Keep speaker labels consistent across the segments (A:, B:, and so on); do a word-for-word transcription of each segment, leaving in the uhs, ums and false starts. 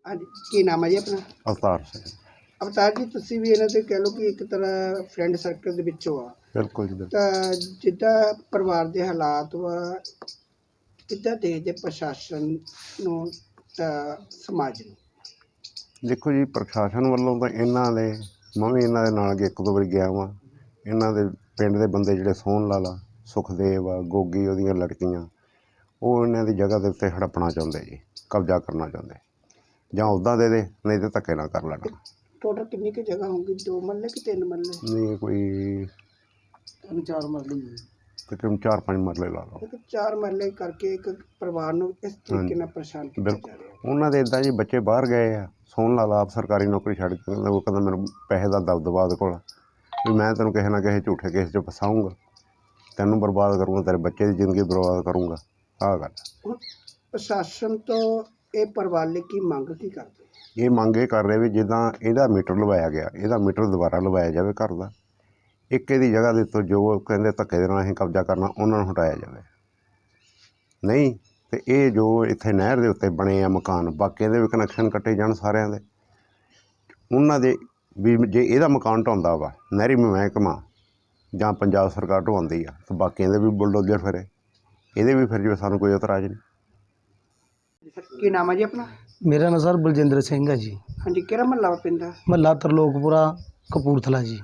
A: हाँ जी, की नाम है जी अपना?
B: अवतार ਸਿੰਘ।
A: अवतार जी, ਤੁਸੀਂ ਵੀ ਇਹਨਾਂ ਦੇ ਕਹਿ ਲਓ ਕਿ ਇੱਕ ਤਰ੍ਹਾਂ ਫਰੈਂਡ ਸਰਕਲ ਦੇ ਵਿੱਚੋਂ ਆ,
B: ਬਿਲਕੁਲ ਜੀ, ਬਿਲਕੁਲ।
A: ਤਾਂ ਜਿੱਦਾਂ ਪਰਿਵਾਰ ਦੇ ਹਾਲਾਤ ਵਾ, ਕਿੱਦਾਂ ਦੇਖਦੇ ਪ੍ਰਸ਼ਾਸਨ ਨੂੰ ਤਾਂ ਸਮਾਜ ਨੂੰ?
B: ਦੇਖੋ ਜੀ, ਪ੍ਰਸ਼ਾਸਨ ਵੱਲੋਂ ਤਾਂ ਇਹਨਾਂ ਦੇ ਮੈਂ ਵੀ ਇਹਨਾਂ ਦੇ ਨਾਲ ਅੱਗੇ ਇੱਕ ਦੋ ਵਾਰੀ ਗਿਆ ਵਾਂ। ਇਹਨਾਂ ਦੇ ਪਿੰਡ ਦੇ ਬੰਦੇ ਜਿਹੜੇ ਸੋਹਣ ਲਾਲਾ, ਸੁਖਦੇਵ ਆ, ਗੋਗੀ ਉਹਦੀਆਂ ਲੜਕੀਆਂ, ਉਹ ਇਹਨਾਂ ਦੀ ਜਗ੍ਹਾ ਦੇ ਉੱਤੇ ਹੜੱਪਣਾ ਚਾਹੁੰਦੇ ਜੀ, ਕਬਜ਼ਾ ਕਰਨਾ ਚਾਹੁੰਦੇ। ਜਾਂ ਉੱਦਾਂ ਦੇ ਦੇ, ਨਹੀਂ ਤਾਂ ਧੱਕੇ ਨਾਲ ਕਰ ਲੈਣਾ।
A: ਟੋਟਲ ਕਿੰਨੀ ਕੁ ਜਗ੍ਹਾ ਹੋਊਗੀ? ਦੋ ਮਰਲੇ ਕਿ ਤਿੰਨ ਮਰਲੇ?
B: ਨਹੀਂ, ਕੋਈ
A: ਤਿੰਨ ਚਾਰ ਮਰਲੇ,
B: ਤਕਰੀਬਨ ਚਾਰ ਪੰਜ ਮਰਲੇ ਲਾ ਲਓ।
A: ਇੱਕ ਚਾਰ ਮਰਲੇ ਕਰਕੇ ਇੱਕ ਪਰਿਵਾਰ ਨੂੰ ਇਸ ਤਰੀਕੇ ਨਾਲ ਪਰੇਸ਼ਾਨ ਕੀਤਾ ਜਾ ਰਿਹਾ।
B: ਉਹਨਾਂ ਦੇ ਇੱਦਾਂ ਜੀ ਬੱਚੇ ਬਾਹਰ ਗਏ ਆ। ਸੋਹਣ ਲਾਲਾ ਆਪ ਸਰਕਾਰੀ ਨੌਕਰੀ ਛੱਡ ਕੇ ਉਹ ਕਹਿੰਦਾ ਮੈਨੂੰ ਪੈਸੇ ਦਾ ਦਬਦਬਾ ਉਹਦੇ ਕੋਲ ਵੀ ਮੈਂ ਤੈਨੂੰ ਕਿਸੇ ਨਾ ਕਿਸੇ ਝੂਠੇ ਕੇਸ 'ਚ ਫਸਾਊਂਗਾ, ਤੈਨੂੰ ਬਰਬਾਦ ਕਰੂੰਗਾ, ਤੇਰੇ ਬੱਚੇ ਦੀ ਜ਼ਿੰਦਗੀ ਬਰਬਾਦ ਕਰੂੰਗਾ। ਆਹ ਗੱਲ
A: ਹੁਣ ਪ੍ਰਸ਼ਾਸਨ ਤੋਂ ਇਹ ਪਰਿਵਾਰ ਲਈ ਕੀ ਮੰਗ ਕੀ ਕਰਦੇ?
B: ਇਹ ਮੰਗ ਇਹ ਕਰ ਰਹੇ ਵੀ ਜਿੱਦਾਂ ਇਹਦਾ ਮੀਟਰ ਲਵਾਇਆ ਗਿਆ, ਇਹਦਾ ਮੀਟਰ ਦੁਬਾਰਾ ਲਵਾਇਆ ਜਾਵੇ ਘਰ ਦਾ। ਇੱਕ ਇਹਦੀ ਜਗ੍ਹਾ ਦੇ ਉੱਤੇ ਜੋ ਕਹਿੰਦੇ ਧੱਕੇ ਦੇ ਨਾਲ ਅਸੀਂ ਕਬਜ਼ਾ ਕਰਨਾ, ਉਹਨਾਂ ਨੂੰ ਹਟਾਇਆ ਜਾਵੇ। ਨਹੀਂ ਅਤੇ ਇਹ ਜੋ ਇੱਥੇ ਨਹਿਰ ਦੇ ਉੱਤੇ ਬਣੇ ਆ ਮਕਾਨ, ਬਾਕੀਆਂ ਦੇ ਵੀ ਕਨੈਕਸ਼ਨ ਕੱਟੇ ਜਾਣ ਸਾਰਿਆਂ ਦੇ। ਉਹਨਾਂ ਦੇ ਵੀ ਜੇ ਇਹਦਾ ਮਕਾਨ ਢਾਉਂਦਾ ਵਾ ਨਹਿਰੀ ਮਹਿਕਮਾ ਜਾਂ ਪੰਜਾਬ ਸਰਕਾਰ ਢਵਾਉਂਦੀ ਆ, ਤਾਂ ਬਾਕੀਆਂ ਦੇ ਵੀ ਬੁਲਡੋਜ਼ਰ ਫਿਰੇ, ਇਹਦੇ ਵੀ ਫਿਰ ਜਿਵੇਂ ਸਾਨੂੰ ਕੋਈ ਇਤਰਾਜ਼ ਨਹੀਂ।
A: ਕੀ ਨਾਮ ਹੈ ਜੀ ਆਪਣਾ?
C: ਮੇਰਾ ਨਾਮ ਸਰ ਬਲਜਿੰਦਰ ਸਿੰਘ ਹੈ ਜੀ।
A: ਹਾਂਜੀ, ਕਿਹੜਾ ਮਹੱਲਾ ਵਾ ਪਿੰਡ ਦਾ?
C: ਮਹੱਲਾ ਤਰਲੋਕਪੁਰਾ, ਕਪੂਰਥਲਾ ਜੀ।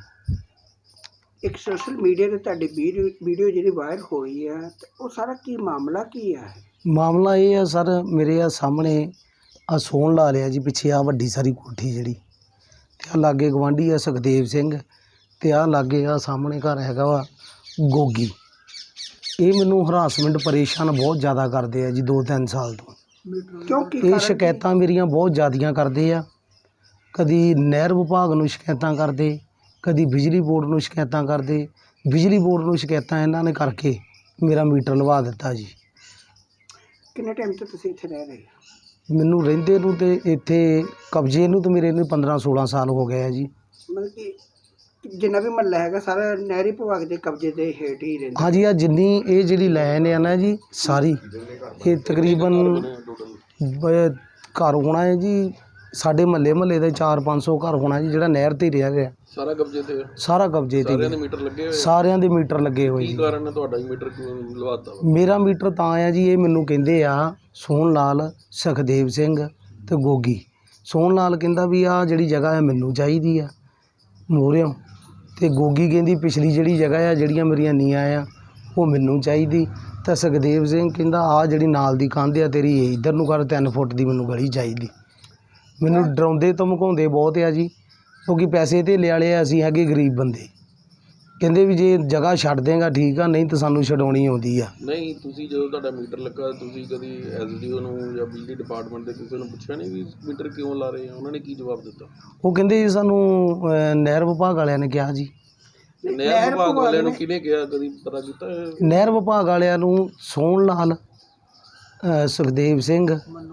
A: ਇੱਕ ਸੋਸ਼ਲ ਮੀਡੀਆ 'ਤੇ ਤੁਹਾਡੀ ਵੀਡੀਓ ਵੀਡੀਓ ਜਿਹੜੀ ਵਾਇਰਲ ਹੋਈ ਹੈ, ਤੇ ਉਹ ਸਾਰਾ ਕੀ ਮਾਮਲਾ ਕੀ ਹੈ?
C: ਮਾਮਲਾ ਇਹ ਆ ਸਰ, ਮੇਰੇ ਆ ਸਾਹਮਣੇ ਆ ਸੋਹਣ ਲਾ ਲਿਆ ਜੀ, ਪਿੱਛੇ ਆ ਵੱਡੀ ਸਾਰੀ ਕੋਠੀ ਜਿਹੜੀ, ਅਤੇ ਆ ਲਾਗੇ ਗਵਾਂਢੀ ਆ ਸੁਖਦੇਵ ਸਿੰਘ, ਅਤੇ ਆ ਲਾਗੇ ਆ ਸਾਹਮਣੇ ਘਰ ਹੈਗਾ ਵਾ ਗੋਗੀ। ਇਹ ਮੈਨੂੰ ਹਰਾਸਮੈਂਟ ਪਰੇਸ਼ਾਨ ਬਹੁਤ ਜ਼ਿਆਦਾ ਕਰਦੇ ਆ ਜੀ ਦੋ ਤਿੰਨ ਸਾਲ ਤੋਂ।
A: ਕਿਉਂਕਿ
C: ਇਹ ਸ਼ਿਕਾਇਤਾਂ ਮੇਰੀਆਂ ਬਹੁਤ ਜ਼ਿਆਦੀਆਂ ਕਰਦੇ ਆ। ਕਦੀ ਨਹਿਰ ਵਿਭਾਗ ਨੂੰ ਸ਼ਿਕਾਇਤਾਂ ਕਰਦੇ, ਕਦੀ ਬਿਜਲੀ ਬੋਰਡ ਨੂੰ ਸ਼ਿਕਾਇਤਾਂ ਕਰਦੇ। ਬਿਜਲੀ ਬੋਰਡ ਨੂੰ ਸ਼ਿਕਾਇਤਾਂ ਇਹਨਾਂ ਨੇ ਕਰਕੇ ਮੇਰਾ ਮੀਟਰ ਲਵਾ ਦਿੱਤਾ ਜੀ।
A: ਕਿੰਨੇ ਟਾਈਮ ਤੋਂ ਤੁਸੀਂ ਇੱਥੇ ਰਹਿ ਰਹੇ ਹੋ?
C: ਮੈਨੂੰ ਰਹਿੰਦੇ ਨੂੰ ਤੇ ਇੱਥੇ ਕਬਜ਼ੇ ਨੂੰ ਤਾਂ ਮੇਰੇ ਨੂੰ ਪੰਦਰਾਂ ਸੋਲਾਂ ਸਾਲ ਹੋ ਗਏ ਆ ਜੀ।
A: ਮਤਲਬ ਕਿ ਜਿੰਨਾ ਵੀ ਮਹੱਲਾ ਹੈਗਾ ਸਾਰਾ ਨਹਿਰੀ ਵਿਭਾਗ ਦੇ ਕਬਜ਼ੇ ਦੇ ਹੇਠ ਹੀ ਰਹਿੰਦਾ?
C: ਹਾਂਜੀ, ਆ ਜਿੰਨੀ ਇਹ ਜਿਹੜੀ ਲਾਈਨ ਆ ਨਾ ਜੀ ਸਾਰੀ, ਇਹ ਤਕਰੀਬਨ ਬ- ਘਰ ਹੋਣਾ ਹੈ ਜੀ ਸਾਡੇ ਮਹੱਲੇ ਮਹੱਲੇ ਦੇ ਚਾਰ ਪੰਜ ਸੌ ਘਰ ਹੋਣਾ ਜੀ, ਜਿਹੜਾ ਨਹਿਰ 'ਤੇ ਰਹਿ ਰਿਹਾ।
D: ਸਾਰਾ ਕਬਜ਼ੇ ਤੇ?
C: ਸਾਰਾ ਕਬਜ਼ੇ 'ਤੇ।
D: ਸਾਰਿਆਂ ਦੇ ਮੀਟਰ ਲੱਗੇ ਹੋਏ?
C: ਸਾਰਿਆਂ ਦੇ ਮੀਟਰ ਲੱਗੇ ਹੋਏ
D: ਕੀ
C: ਜੀ।
D: ਕਾਰਨ ਹੈ ਤੁਹਾਡਾ ਮੀਟਰ ਕਿਉਂ ਲਵਾਤਾ ਵਾ?
C: ਮੇਰਾ ਮੀਟਰ ਤਾਂ ਆ ਜੀ, ਇਹ ਮੈਨੂੰ ਕਹਿੰਦੇ ਆ ਸੋਹਣ ਲਾਲ, ਸੁਖਦੇਵ ਸਿੰਘ ਅਤੇ ਗੋਗੀ। ਸੋਹਣ ਲਾਲ ਕਹਿੰਦਾ ਵੀ ਆਹ ਜਿਹੜੀ ਜਗ੍ਹਾ ਹੈ ਮੈਨੂੰ ਚਾਹੀਦੀ ਆ ਮੋਹਰਿਓਂ, ਅਤੇ ਗੋਗੀ ਕਹਿੰਦੀ ਪਿਛਲੀ ਜਿਹੜੀ ਜਗ੍ਹਾ ਆ ਜਿਹੜੀਆਂ ਮੇਰੀਆਂ ਨੀਆਂ ਆ ਉਹ ਮੈਨੂੰ ਚਾਹੀਦੀ। ਤਾਂ ਸੁਖਦੇਵ ਸਿੰਘ ਕਹਿੰਦਾ ਆਹ ਜਿਹੜੀ ਨਾਲ ਦੀ ਕੰਧ ਆ ਤੇਰੀ ਇਹ ਇੱਧਰ ਨੂੰ ਕਰ, ਤਿੰਨ ਫੁੱਟ ਦੀ ਮੈਨੂੰ ਗਲੀ ਚਾਹੀਦੀ। ਮੈਨੂੰ ਡਰਾਉਂਦੇ ਧਮਕਾਉਂਦੇ ਬਹੁਤ ਆ ਜੀ, ਕਿਉਂਕਿ ਪੈਸੇ ਧੇਲੇ ਵਾਲੇ ਆ, ਅਸੀਂ ਹੈਗੇ ਗਰੀਬ ਬੰਦੇ। ਕਹਿੰਦੇ ਵੀ ਜੇ ਜਗ੍ਹਾ ਛੱਡ ਦੇਂਗਾ ਠੀਕ ਆ, ਨਹੀਂ ਤਾਂ ਸਾਨੂੰ ਛਡਾਉਣੀ ਆਉਂਦੀ ਆ।
D: ਨਹੀਂ, ਤੁਸੀਂ ਜਦੋਂ ਤੁਹਾਡਾ ਮੀਟਰ ਲੱਗਾ ਤੁਸੀਂ ਕਦੀ ਐਸ ਡੀ ਓ ਨੂੰ ਜਾਂ ਬਿਜਲੀ ਡਿਪਾਰਟਮੈਂਟ ਦੇ ਕਿਸੇ ਨੂੰ ਪੁੱਛਿਆ ਨਹੀਂ ਵੀ ਮੀਟਰ ਕਿਉਂ ਲਾ ਰਹੇ ਆ? ਉਹਨਾਂ ਨੇ ਕੀ ਜਵਾਬ ਦਿੱਤਾ?
C: ਉਹ ਕਹਿੰਦੇ ਜੀ ਸਾਨੂੰ ਅਹ, ਨਹਿਰ ਵਿਭਾਗ ਵਾਲਿਆਂ ਨੇ ਕਿਹਾ ਜੀ।
D: ਨਹਿਰ ਵਿਭਾਗ ਵਾਲਿਆਂ ਨੂੰ ਕਿਹਨੇ ਕਿਹਾ, ਕਦੀ ਪਤਾ ਕੀਤਾ?
C: ਨਹਿਰ ਵਿਭਾਗ ਵਾਲਿਆਂ ਨੂੰ ਸੋਹਣ ਲਾਲ, ਅਹ, ਸੁਖਦੇਵ ਸਿੰਘ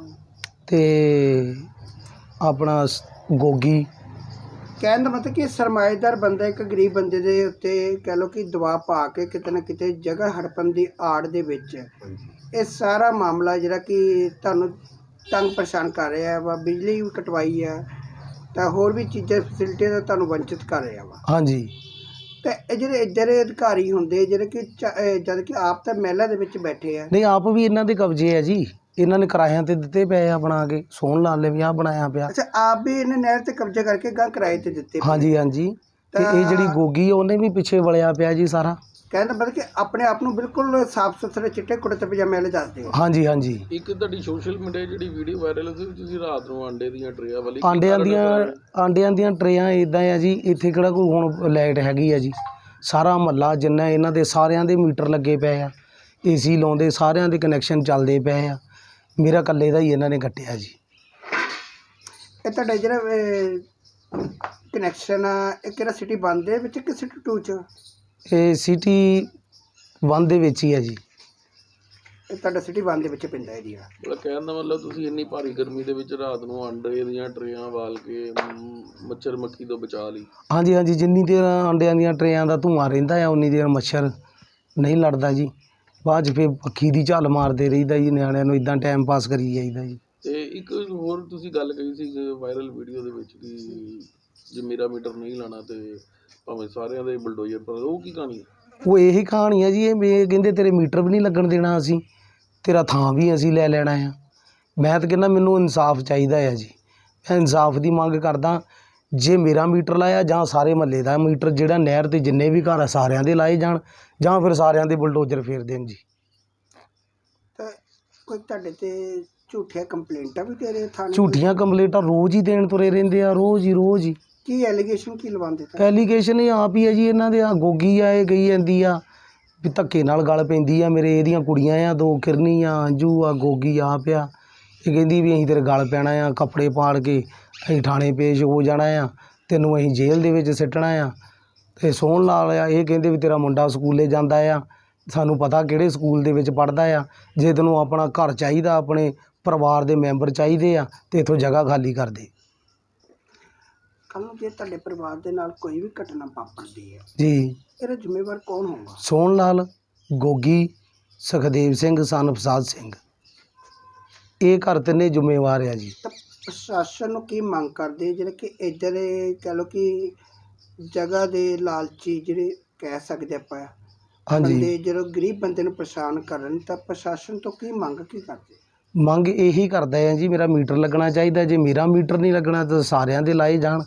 C: ਅਤੇ ਆਪਣਾ ਸ- ਗੋਗੀ।
A: ਕਹਿਣ ਦਾ ਮਤਲਬ ਕਿ ਸਰਮਾਏਦਾਰ ਬੰਦਾ ਇੱਕ ਗਰੀਬ ਬੰਦੇ ਦੇ ਉੱਤੇ ਕਹਿ ਲਓ ਕਿ ਦਬਾਅ ਪਾ ਕੇ ਕਿਤੇ ਨਾ ਕਿਤੇ ਜਗ੍ਹਾ ਹੜਪਣ ਦੀ ਆੜ ਦੇ ਵਿੱਚ ਇਹ ਸਾਰਾ ਮਾਮਲਾ ਜਿਹੜਾ ਕਿ ਤੁਹਾਨੂੰ ਤੰਗ ਪਰੇਸ਼ਾਨ ਕਰ ਰਿਹਾ ਵਾ, ਬਿਜਲੀ ਵੀ ਕਟਵਾਈ ਆ, ਤਾਂ ਹੋਰ ਵੀ ਚੀਜ਼ਾਂ ਫੈਸਿਲਿਟੀਆਂ ਦਾ ਤੁਹਾਨੂੰ ਵੰਚਿਤ ਕਰ ਰਿਹਾ ਵਾ।
C: ਹਾਂਜੀ।
A: ਤੇ ਇਹ ਜਿਹੜੇ ਇੱਧਰ ਦੇ ਅਧਿਕਾਰੀ ਹੁੰਦੇ ਜਿਹੜੇ ਕਿ ਚ- ਅਹ ਜਦ ਕਿ ਆਪ ਤਾਂ ਮਹਿਲਾ ਦੇ ਵਿੱਚ ਬੈਠੇ ਆ।
C: ਨਹੀਂ, ਆਪ ਵੀ ਇਹਨਾਂ ਦੇ ਕਬਜ਼ੇ ਆ ਜੀ, ਇਹਨਾਂ ਨੇ ਕਿਰਾਇਆਂ 'ਤੇ ਦਿੱਤੇ ਪਏ ਆ ਬਣਾ ਕੇ। ਸੋਹਣ ਲਾਲ ਨੇ ਵੀ ਆਹ ਬਣਾਇਆ ਪਿਆ।
A: ਅੱਛਾ, ਆਪ ਵੀ ਇਹਨੇ ਨਹਿਰ ਤੇ ਕਬਜ਼ਾ ਕਰਕੇ ਗਾਂ ਕਿਰਾਏ ਤੇ ਦਿੱਤੇ ਪਏ।
C: ਹਾਂਜੀ ਹਾਂਜੀ। ਅਤੇ ਇਹ ਜਿਹੜੀ ਗੋਗੀ ਆ ਉਹਨੇ ਵੀ ਪਿੱਛੇ ਵਲਿਆ ਪਿਆ ਜੀ ਸਾਰਾ।
A: ਕਹਿਣ ਦਾ ਮਤਲਬ ਕਿ ਆਪਣੇ ਆਪ ਨੂੰ ਬਿਲਕੁਲ ਸਾਫ਼ ਸੁਥਰੇ ਚਿੱਟੇ ਕੁੜਤੇ ਪਜਾਮੇ ਵਾਲੇ ਦੱਸਦੇ ਹੋ।
C: ਹਾਂਜੀ ਹਾਂਜੀ।
D: ਇੱਕ ਤੁਹਾਡੀ ਸੋਸ਼ਲ ਮੀਡੀਆ ਜਿਹੜੀ ਵੀਡੀਓ ਵਾਇਰਲ ਹੋਈ ਤੁਸੀਂ ਰਾਤ ਨੂੰ ਆਂਡੇ ਦੀਆਂ ਟਰੇਆਂ ਵਾਲੀ,
C: ਆਂਡਿਆਂ ਦੀਆਂ ਆਂਡਿਆਂ ਦੀਆਂ ਟਰੇਆਂ ਇੱਦਾਂ ਆ ਜੀ, ਇੱਥੇ ਕਿਹੜਾ ਕੋਈ ਹੁਣ ਲਾਈਟ ਹੈਗੀ ਆ ਜੀ। ਸਾਰਾ ਮਹੱਲਾ ਜਿੰਨਾ ਇਹਨਾਂ ਦੇ ਸਾਰਿਆਂ ਦੇ ਮੀਟਰ ਲੱਗੇ ਪਏ ਆ, ਏ ਸੀ ਲਾਉਂਦੇ, ਸਾਰਿਆਂ ਦੇ ਕਨੈਕਸ਼ਨ ਚੱਲਦੇ ਪਏ ਆ। ਮੇਰਾ ਇਕੱਲੇ ਦਾ ਹੀ ਇਹਨਾਂ ਨੇ ਕੱਟਿਆ ਜੀ।
A: ਇਹ ਤੁਹਾਡਾ ਜਿਹੜਾ ਕਨੈਕਸ਼ਨ ਆ ਇਹ ਕਿਹੜਾ ਸਿਟੀ ਵਨ ਦੇ ਵਿੱਚ ਕਿ ਸਿਟੀ ਟੂ 'ਚ?
C: ਇਹ ਸਿਟੀ ਵਨ ਦੇ ਵਿੱਚ ਹੀ ਹੈ ਜੀ।
A: ਇਹ ਤੁਹਾਡਾ ਸਿਟੀ ਵਨ ਦੇ ਵਿੱਚ ਪੈਂਦਾ ਏਰੀਆ।
D: ਮਤਲਬ ਕਹਿਣ ਦਾ ਮਤਲਬ ਤੁਸੀਂ ਇੰਨੀ ਭਾਰੀ ਗਰਮੀ ਦੇ ਵਿੱਚ ਰਾਤ ਨੂੰ ਆਂਡੇ ਦੀਆਂ ਟਰੇਆਂ ਵਾਲ ਕੇ ਮ, ਮੱਛਰ ਮੱਖੀ ਤੋਂ ਬਚਾ ਲਈ?
C: ਹਾਂਜੀ ਹਾਂਜੀ। ਜਿੰਨੀ ਦੇਰ ਅੰਡਿਆਂ ਦੀਆਂ ਟਰੇਆਂ ਦਾ ਧੂੰਆਂ ਰਹਿੰਦਾ ਆ ਉਨੀ ਦੇਰ ਮੱਛਰ ਨਹੀਂ ਲੜਦਾ ਜੀ। ਬਾਅਦ 'ਚ ਫਿਰ ਪੱਖੀ ਦੀ ਝੱਲ ਮਾਰਦੇ ਰਹੀਦਾ ਜੀ, ਨਿਆਣਿਆਂ ਨੂੰ ਇੱਦਾਂ ਟਾਈਮ ਪਾਸ ਕਰੀ ਜਾਈਦਾ ਜੀ।
D: ਤੇ ਇੱਕ ਹੋਰ ਤੁਸੀਂ ਗੱਲ ਕਹੀ ਸੀ ਵਾਇਰਲ ਵੀਡੀਓ ਦੇ ਵਿੱਚ ਕਿ ਜੇ ਮੇਰਾ ਮੀਟਰ ਨਹੀਂ ਲਾਣਾ ਤੇ ਭਾਵੇਂ ਸਾਰਿਆਂ ਦੇ ਬਲਡੋਜ਼ਰ ਪਰ, ਉਹ ਕੀ ਕਹਾਣੀ ਹੈ?
C: ਉਹ ਇਹੀ ਕਹਾਣੀ ਆ ਜੀ, ਇਹ ਵੀ ਕਹਿੰਦੇ ਤੇਰੇ ਮੀਟਰ ਵੀ ਨਹੀਂ ਲੱਗਣ ਦੇਣਾ ਅਸੀਂ, ਤੇਰਾ ਥਾਂ ਵੀ ਅਸੀਂ ਲੈ ਲੈਣਾ ਆ। ਮੈਂ ਤਾਂ ਕਹਿੰਦਾ ਮੈਨੂੰ ਇਨਸਾਫ ਚਾਹੀਦਾ ਆ ਜੀ, ਮੈਂ ਇਨਸਾਫ ਦੀ ਮੰਗ ਕਰਦਾ। ਜੇ ਮੇਰਾ ਮੀਟਰ ਲਾਇਆ ਜਾਂ ਸਾਰੇ ਮਹੱਲੇ ਦਾ ਮੀਟਰ, ਜਿਹੜਾ ਨਹਿਰ 'ਤੇ ਜਿੰਨੇ ਵੀ ਘਰ ਆ ਸਾਰਿਆਂ ਦੇ ਲਾਏ ਜਾਣ, ਜਾਂ ਫਿਰ ਸਾਰਿਆਂ ਦੇ ਬੁਲਡੋਜ਼ਰ ਫੇਰ ਦੇਣ ਜੀ।
A: ਤਾਂ ਕੋਈ ਤੁਹਾਡੇ ਤੇ ਝੂਠੀਆਂ ਕੰਪਲੇਂਟਾਂ ਵੀ ਦੇ ਰਹੇ ਥਾਣੇ?
C: ਝੂਠੀਆਂ ਕੰਪਲੇਂਟਾਂ ਰੋਜ਼ ਹੀ ਦੇਣ ਤੁਰੇ ਰਹਿੰਦੇ ਆ, ਰੋਜ਼ ਹੀ ਰੋਜ਼ ਹੀ।
A: ਕੀ ਐਲੀਗੇਸ਼ਨ ਕੀ ਲਵਾਉਂਦੇ ਤਾਂ?
C: ਐਲੀਗੇਸ਼ਨ ਇਹ ਆਪ ਹੀ ਆ ਜੀ ਇਹਨਾਂ ਦੇ। ਆ ਗੋਗੀ ਆ, ਇਹ ਗਈ ਜਾਂਦੀ ਆ ਵੀ ਧੱਕੇ ਨਾਲ ਗਲ ਪੈਂਦੀ ਆ ਮੇਰੇ, ਇਹਦੀਆਂ ਕੁੜੀਆਂ ਆ ਦੋ, ਕਿਰਨੀ ਆ, ਅੰਜੂ ਆ, ਗੋਗੀ ਆਪ ਆ। ਇਹ ਕਹਿੰਦੀ ਵੀ ਅਸੀਂ ਤੇਰੇ ਗਲ ਪੈਣਾ ਆ, ਕੱਪੜੇ ਪਾੜ ਕੇ ਅਸੀਂ ਥਾਣੇ ਪੇਸ਼ ਹੋ ਜਾਣਾ ਆ, ਤੈਨੂੰ ਅਸੀਂ ਜੇਲ੍ਹ ਦੇ ਵਿੱਚ ਸਿੱਟਣਾ ਆ। ਅਤੇ ਸੋਹਣ ਲਾਲ ਆ, ਇਹ ਕਹਿੰਦੇ ਵੀ ਤੇਰਾ ਮੁੰਡਾ ਸਕੂਲੇ ਜਾਂਦਾ ਆ, ਸਾਨੂੰ ਪਤਾ ਕਿਹੜੇ ਸਕੂਲ ਦੇ ਵਿੱਚ ਪੜ੍ਹਦਾ ਆ, ਜੇ ਤੈਨੂੰ ਆਪਣਾ ਘਰ ਚਾਹੀਦਾ, ਆਪਣੇ ਪਰਿਵਾਰ ਦੇ ਮੈਂਬਰ ਚਾਹੀਦੇ ਆ, ਅਤੇ ਇੱਥੋਂ ਜਗ੍ਹਾ ਖਾਲੀ ਕਰ ਦੇ।
A: ਕੱਲ੍ਹ ਨੂੰ ਜੇ ਤੁਹਾਡੇ ਪਰਿਵਾਰ ਦੇ ਨਾਲ ਕੋਈ ਵੀ ਘਟਨਾ ਵਾਪਰਦੀ ਹੈ,
C: ਜੀ
A: ਇਹਦਾ ਜ਼ਿੰਮੇਵਾਰ ਕੌਣ ਹੋਊਗਾ?
C: ਸੋਹਣ ਲਾਲ, ਗੋਗੀ, ਸੁਖਦੇਵ ਸਿੰਘ, ਸਨ ਪ੍ਰਸਾਦ ਸਿੰਘ, ਇਹ ਘਰ ਤਿੰਨੇ ਜ਼ਿੰਮੇਵਾਰ ਆ ਜੀ।
A: ਤਾਂ ਪ੍ਰਸ਼ਾਸਨ ਨੂੰ ਕੀ ਮੰਗ ਕਰਦੇ ਜਿਹੜੇ ਕਿ ਇੱਧਰ ਕਹਿ ਲਓ ਕਿ ਜਗ੍ਹਾ ਦੇ ਲਾਲਚੀ ਜਿਹੜੇ ਕਹਿ ਸਕਦੇ ਆਪਾਂ,
C: ਹਾਂਜੀ,
A: ਬੰਦੇ ਜਦੋਂ ਗਰੀਬ ਬੰਦੇ ਨੂੰ ਪਰੇਸ਼ਾਨ ਕਰਨ, ਤਾਂ ਪ੍ਰਸ਼ਾਸਨ ਤੋਂ ਕੀ ਮੰਗ ਕੀ ਕਰਦੇ?
C: ਮੰਗ ਇਹੀ ਕਰਦਾ ਆ ਜੀ, ਮੇਰਾ ਮੀਟਰ ਲੱਗਣਾ ਚਾਹੀਦਾ। ਜੇ ਮੇਰਾ ਮੀਟਰ ਨਹੀਂ ਲੱਗਣਾ ਤਾਂ ਸਾਰਿਆਂ ਦੇ ਲਾਏ ਜਾਣ।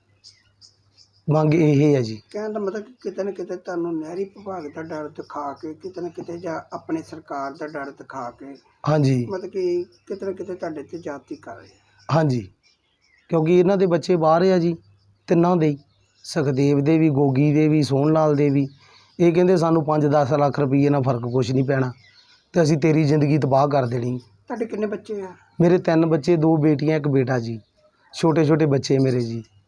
C: ਮੰਗ ਇਹ ਹੈ ਜੀ।
A: ਕਹਿਣ ਦਾ ਮਤਲਬ ਕਿ ਕਿਤੇ ਨਾ ਕਿਤੇ ਤੁਹਾਨੂੰ ਨਹਿਰੀ ਵਿਭਾਗ ਦਾ ਡਰ ਦਿਖਾ ਕੇ, ਕਿਤੇ ਨਾ ਕਿਤੇ ਜਾਂ ਆਪਣੇ ਸਰਕਾਰ ਦਾ ਡਰ ਦਿਖਾ ਕੇ,
C: ਹਾਂਜੀ
A: ਮਤਲਬ ਕਿ ਕਿਤੇ ਨਾ ਕਿਤੇ ਤੁਹਾਡੇ ਤੇ ਜ਼ਿਆਦਤੀ ਕਰ ਰਹੇ ਆ।
C: ਹਾਂਜੀ, ਕਿਉਂਕਿ ਇਹਨਾਂ ਦੇ ਬੱਚੇ ਬਾਹਰ ਆ ਜੀ, ਤਿੰਨਾਂ ਦੇ ਹੀ, ਸੁਖਦੇਵ ਦੇ ਵੀ, ਗੋਗੀ ਦੇ ਵੀ, ਸੋਹਣ ਲਾਲ ਦੇ ਵੀ। ਇਹ ਕਹਿੰਦੇ ਸਾਨੂੰ ਪੰਜ ਦਸ ਲੱਖ ਰੁਪਈਏ ਨਾਲ ਫਰਕ ਕੁਛ ਨਹੀਂ ਪੈਣਾ, ਅਤੇ ਅਸੀਂ ਤੇਰੀ ਜ਼ਿੰਦਗੀ ਤਬਾਹ ਕਰ ਦੇਣੀ।
A: ਤੁਹਾਡੇ ਕਿੰਨੇ ਬੱਚੇ ਆ?
C: ਮੇਰੇ ਤਿੰਨ ਬੱਚੇ, ਦੋ ਬੇਟੀਆਂ, ਇੱਕ ਬੇਟਾ ਜੀ, ਛੋਟੇ ਛੋਟੇ ਬੱਚੇ ਮੇਰੇ ਜੀ।